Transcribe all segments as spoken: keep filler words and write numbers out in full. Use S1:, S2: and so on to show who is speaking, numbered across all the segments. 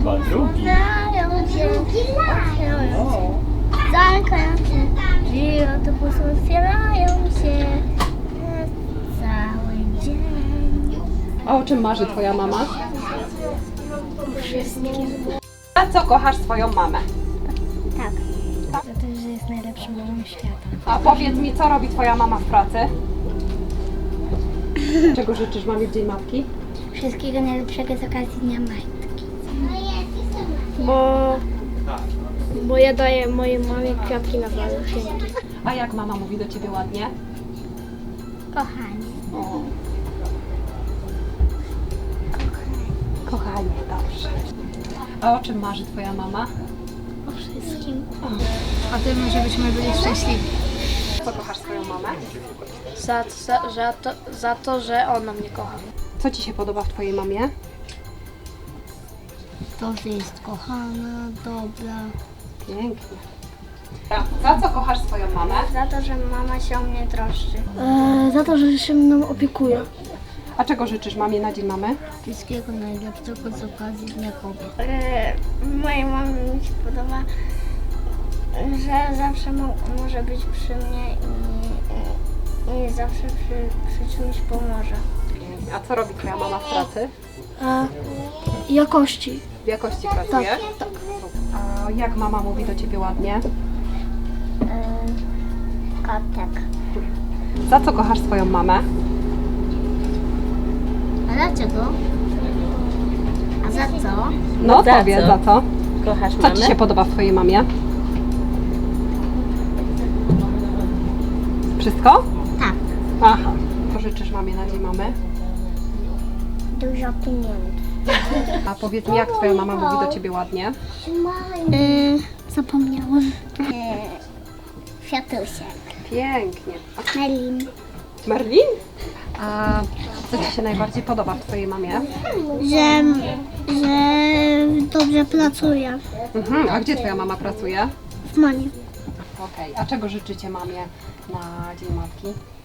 S1: chyba drugi.
S2: Otwierają się, otwierają się, zamykają się, drzwi autobusu otwierają się cały dzień.
S3: A o czym marzy twoja mama?
S2: Wszystkim.
S3: A co kochasz swoją mamę?
S2: Tak. Za to, że jest najlepszą mamą świata.
S3: A powiedz mi, co robi twoja mama w pracy? Czego życzysz mamie w Dzień Matki?
S2: Wszystkiego najlepszego z okazji Dnia Matki.
S4: Bo, bo ja daję mojej mamie kwiatki na walentynki.
S3: A jak mama mówi do ciebie ładnie?
S2: Kochanie.
S3: O. Kochanie, dobrze. A o czym marzy twoja mama?
S2: O wszystkim.
S4: A tym, żebyśmy byli szczęśliwi.
S3: Co kochasz swoją mamę?
S4: Za, za, za, to, za to, że ona mnie kocha.
S3: Co ci się podoba w twojej mamie?
S2: To, że jest kochana, dobra.
S3: Pięknie. Za co kochasz swoją mamę?
S2: Za to, że mama się o mnie troszczy.
S4: E, za to, że się mną opiekuje.
S3: A czego życzysz mamie na Dzień Mamy?
S2: Wszystkiego najlepszego z okazji Dnia Kobiet. E, mojej mamie mi się podoba, że zawsze mo może być przy mnie i, i zawsze przy, przy czymś pomoże.
S3: Pięknie. A co robi twoja mama w pracy?
S4: E, jakości.
S3: W jakości pracuje? Tak. A jak mama mówi do ciebie ładnie?
S2: E, kotek.
S3: Za co kochasz swoją mamę?
S2: A dlaczego? A za co?
S3: No
S5: Za
S3: powiedz,
S5: co?
S3: za co?
S5: Kochasz
S3: Co
S5: mamę?
S3: ci się podoba w twojej mamie? Wszystko?
S2: Tak.
S3: Aha. Co życzysz mamie na Dzień Mamy?
S2: Dużo pieniędzy.
S3: A powiedz mi, jak twoja mama mówi do ciebie ładnie?
S2: E, zapomniałam. E, Kwiatusiek.
S3: Pięknie. A
S2: Melin.
S3: Merlin? A co ci się najbardziej podoba w twojej mamie?
S2: Że, że dobrze pracuje
S3: Mhm. A gdzie twoja mama pracuje?
S2: w Manie.
S3: Okej. A czego życzycie mamie na Dzień Matki?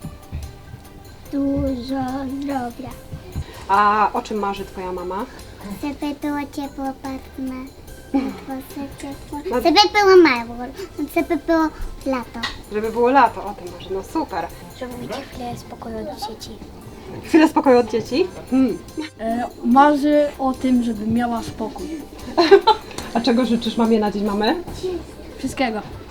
S2: Dużo zdrowia.
S3: A o czym marzy twoja mama?
S2: Żeby było ciepło, partner. Żeby było mało. Żeby było lato.
S3: Żeby było lato, o tym marzy. No super.
S2: Żeby mieć chwilę spokoju od dzieci.
S3: Chwilę spokoju od dzieci? Hmm.
S4: E, marzy o tym, żeby miała spokój.
S3: A czego życzysz mamie na Dzień Mamy?
S4: Wszystkiego.